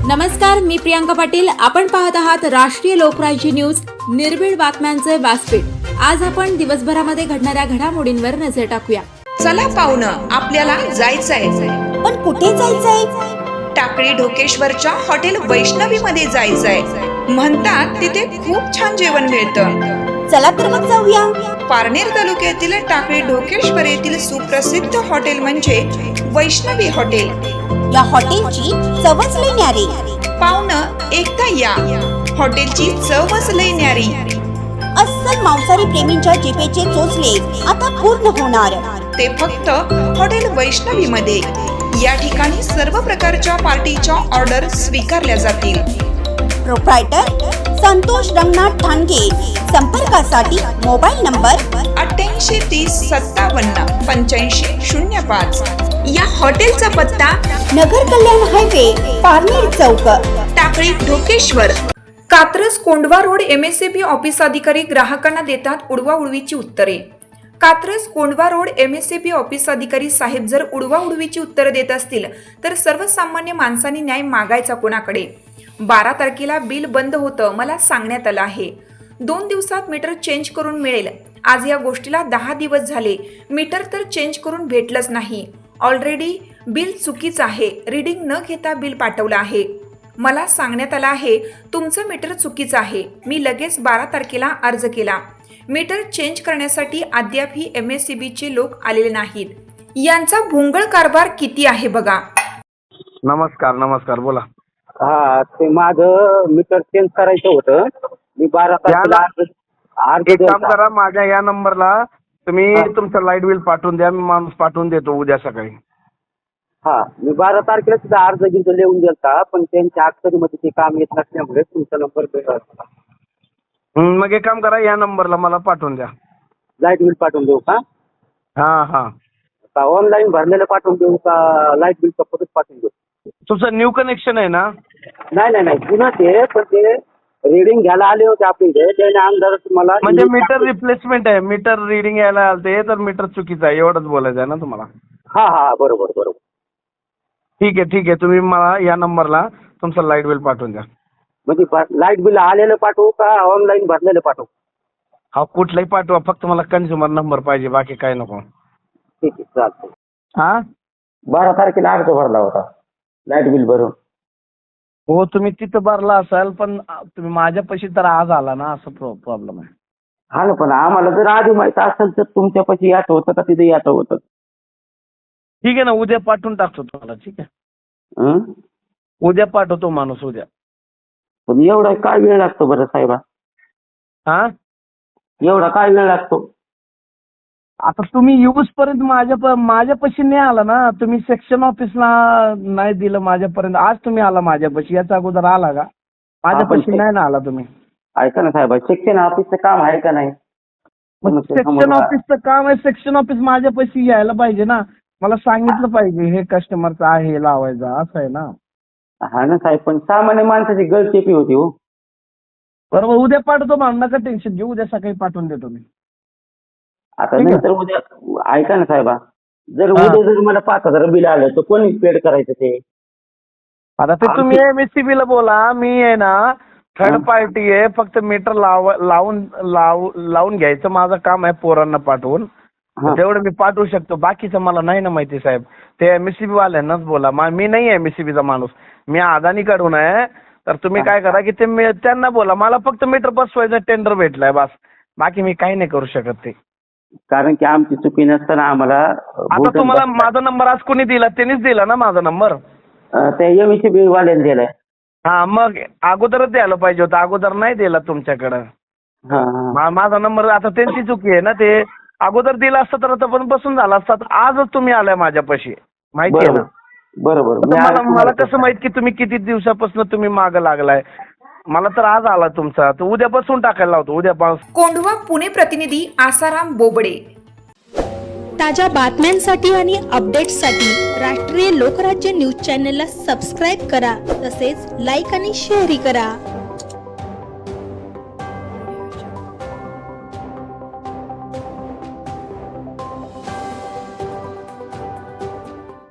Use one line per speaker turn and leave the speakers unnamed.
नमस्कार, मी प्रियांका पाटील. आपण पाहत आहात राष्ट्रीय लोकराज्य न्यूज, निर्भीड बातम्यांचे व्यासपीठ. आज आपण दिवसभरामध्ये घडणाऱ्या घडामोडींवर नजर टाकूया.
चला पाहुणं, आपल्याला जायचंय.
पण कुठे जायचंय?
टाकळी ढोकेश्वरच्या हॉटेल वैष्णवी मध्ये जायचंय. म्हणतात तिथे खूप छान जेवण मिळतं.
चला तर मग जाऊया.
पारनेर तालुक्यातील टाकळी ढोकेश्वर येथील सुप्रसिद्ध हॉटेल म्हणजे वैष्णवी हॉटेल.
या हॉटेलची चवच लई न्यारी.
पाहुणं, एकदा या. हॉटेलची चवच लई न्यारी.
अस्सल मांसाहारी प्रेमींच्या जिभेचे चोचले आता पूर्ण होणार.
ते फक्त हॉटेल वैष्णवी मध्ये. या ठिकाणी सर्व प्रकारच्या पार्टीच्या ऑर्डर स्वीकारल्या जातील.
प्रोप्रायटर संतोष रंगनाथ ठाणगे. संपर्कासाठी मोबाईल नंबर
8830578505. या हॉटेलचा पत्ता
नगर कल्याण हायवे, पारनेर चौक,
Takli Dhokeshwar. Katraj Kondhwa road MSCB office अधिकारी ग्राहकांना देतात उडवाउडवीची उत्तरे. Katraj Kondhwa road MSCB office अधिकारी साहेब जर उडवाउडवीची उत्तरे देत असतील तर सर्वसामान्य माणसांनी न्याय मागायचा कोणाकडे? 12 तारखेला बिल बंद होतं, मला सांगण्यात आलं आहे. 2 दिवसात मीटर चेंज करून मिळेल. आज या गोष्टीला 10 दिवस झाले. मीटर तर चेंज करून भेटलंच नाही. ऑलरेडी बिल चुकीचं आहे. रीडिंग न घेता बिल पाठवलं आहे. मला सांगण्यात आलं आहे तुमचं मीटर चुकीचं आहे. मी लगेच 12 तारखेला अर्ज केला. मीटर चेंज करण्यासाठी अद्यापही MSCBचे लोक आलेले नाहीत. यांचा भोंगळ कारभार किती आहे बघा.
नमस्कार बोला.
हा, ते माझं मीटर चेंज करायचं होतं. मी 12 तारखेला
एक काम करा, माझ्या या नंबरला तुम्ही तुमचं लाईट बिल पाठवून द्या. मी माणूस पाठवून देतो उद्या सकाळी.
हा, मी 12 तारखेला सुद्धा अर्ज घेऊन लिहून गेलता, पण त्यांच्या अक्षरीमध्ये ते काम येत नसल्यामुळे तुमचा नंबर भेटला.
मग एक काम करा, या नंबरला मला पाठवून द्या.
लाईट बिल पाठवून देऊ का?
हा
का ऑनलाईन भरलेलं पाठवून देऊ का लाईट बिल परत पाठवून देऊ?
तुमचं न्यू कनेक्शन आहे ना?
नाही जुनं ते, पण ते रिडिंग घ्यायला आले होते आपल्या इथे. त्याने आमदार तुम्हाला
म्हणजे मीटर रिप्लेसमेंट आहे. मीटर रिडिंग यायला आलते तर मीटर चुकीचं आहे एवढंच बोलायचं आहे ना तुम्हाला?
हा बरोबर.
ठीक आहे. तुम्ही मला या नंबरला तुमचं लाईट बिल पाठवून द्या.
म्हणजे लाईट बिल आलेलं पाठवू का ऑनलाईन भरलेलं पाठवू?
हा, कुठलाही पाठवा, फक्त मला कन्झ्युमर नंबर पाहिजे, बाकी काय नको.
ठीक आहे, चालतंय.
हा,
12 तारखेला अर्ज भरला होता लाईट बिल भरून.
हो, तुम्ही तिथं भरला असाल, पण तुम्ही माझ्यापाशी तर आज आला ना, असं प्रॉब्लेम आहे.
हा ना, पण आम्हाला जर आधी माहित असेल तर तुमच्यापाशी याचं होतं का तिथे याचं होतं?
ठीक आहे ना, उद्या पाठवून टाकतो तुम्हाला. ठीक आहे, उद्या पाठवतो माणूस उद्या.
पण एवढा काय वेळ लागतो बरं साहेबा?
हा,
एवढा काय वेळ लागतो?
आता तुम्ही येऊस पर्यंत माझ्यापाशी नाही आला ना. तुम्ही सेक्शन ऑफिसला नाही दिलं माझ्यापर्यंत. आज तुम्ही आला माझ्यापाशी, याच्या अगोदर आला का? माझ्यापाशी नाही ना आला तुम्ही.
ऐका ना साहेबा, सेक्शन ऑफिसचं काम आहे का नाही?
सेक्शन ऑफिसचं काम आहे. सेक्शन ऑफिस माझ्यापाशी यायला पाहिजे ना. मला सांगितलं पाहिजे हे कस्टमरचं आहे लावायचं, असं आहे ना.
हा ना साहेब, पण सामान्य माणसाची गळचेपी होती हो.
बरोबर, उद्या पाठवतो म्हणून नका टेन्शन घेऊ. उद्या सकाळी पाठवून देतो मी.
आता नंतर उद्या ऐका ना साहेबा, जर उद्या जर मला 5,000 बिल आलं तर कोणी पेड करायचं ते?
आता ते तुम्ही MSCB ला बोला. मी आहे ना थर्ड पार्टी आहे. फक्त मीटर लावून घ्यायचं माझं काम आहे, पोरांना पाठवून. तेवढं मी पाठवू शकतो, बाकीचं मला नाही ना माहिती साहेब. ते MSCB वाल्यांनाच बोला. मी नाही MSCB चा माणूस, मी अदानीकडून आहे. तर तुम्ही काय करा की ते त्यांना बोला, मला फक्त मीटर बसवायचं टेंडर भेटलाय बस, बाकी मी काही नाही करू शकत ते.
कारण की आमची चुकी नसताना आम्हाला.
आता तुम्हाला माझा नंबर आज कोणी दिला? त्यांनीच दिला ना माझा नंबर.
त्या MSCB वाल्याने दिलाय.
हा, मग अगोदरच द्यायला पाहिजे होतं. अगोदर नाही दिला तुमच्याकडं. माझा नंबर, आता त्यांची चुकी आहे ना. ते अगोदर दिला असतं तर आता पण बसून झाला असता. आजच तुम्ही आलाय माझ्यापाशी, माहिती आहे ना.
बरोबर.
मला कसं माहित की तुम्ही किती दिवसापासून तुम्ही मागं लागलाय? मला तर आज आला तुमचा, तर उद्या बसून टाकायला लावतो. उद्या
कोंढवा पुणे प्रतिनिधी आसाराम बोबडे.
ताज्या बातम्यांसाठी आणि अपडेट्ससाठी राष्ट्रीय लोकराज्य न्यूज चॅनलला सबस्क्राईब करा. तसेच लाईक आणि शेअरही करा.